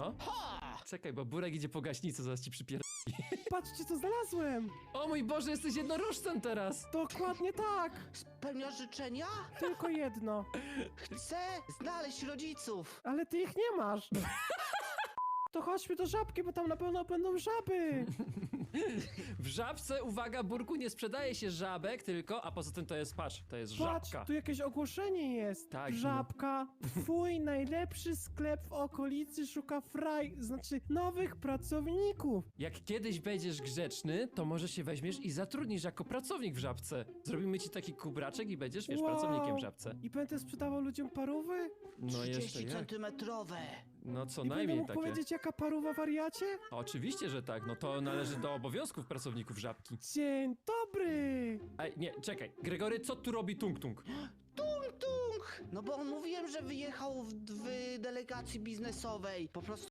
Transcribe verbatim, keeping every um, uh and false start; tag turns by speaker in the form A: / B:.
A: No. Czekaj, bo Burek idzie po gaśnicę, zaraz ci przypier...
B: Patrzcie, co znalazłem!
A: O mój Boże, jesteś jednorożcem teraz!
B: Dokładnie tak!
C: Spełniasz życzenia?
B: Tylko jedno.
C: Chcę znaleźć rodziców.
B: Ale ty ich nie masz! To chodźmy do żabki, bo tam na pewno będą żaby!
A: W żabce, uwaga, Burku, nie sprzedaje się żabek, tylko, a poza tym to jest, patrz, to jest
B: Patrz,
A: żabka.
B: tu jakieś ogłoszenie jest!
A: Tak, no.
B: Żabka, twój najlepszy sklep w okolicy szuka fraj, znaczy nowych pracowników!
A: Jak kiedyś będziesz grzeczny, to może się weźmiesz i zatrudnisz jako pracownik w żabce. Zrobimy ci taki kubraczek i będziesz, wiesz,
B: Wow.
A: pracownikiem w żabce.
B: I będę sprzedawał ludziom parówy?
A: No jeszcze
C: trzydzieści
A: jak?
C: centymetrowe.
A: No co
B: I będę
A: najmniej
B: mógł
A: takie.
B: powiedzieć, jaka parówa, wariacie?
A: Oczywiście, że tak, no to należy do obowiązków pracowników żabki.
B: Dzień dobry!
A: Ej, nie, czekaj, Gregory, co tu robi Tung Tung?
C: Tung tung! No bo mówiłem, że wyjechał w, w delegacji biznesowej. Po prostu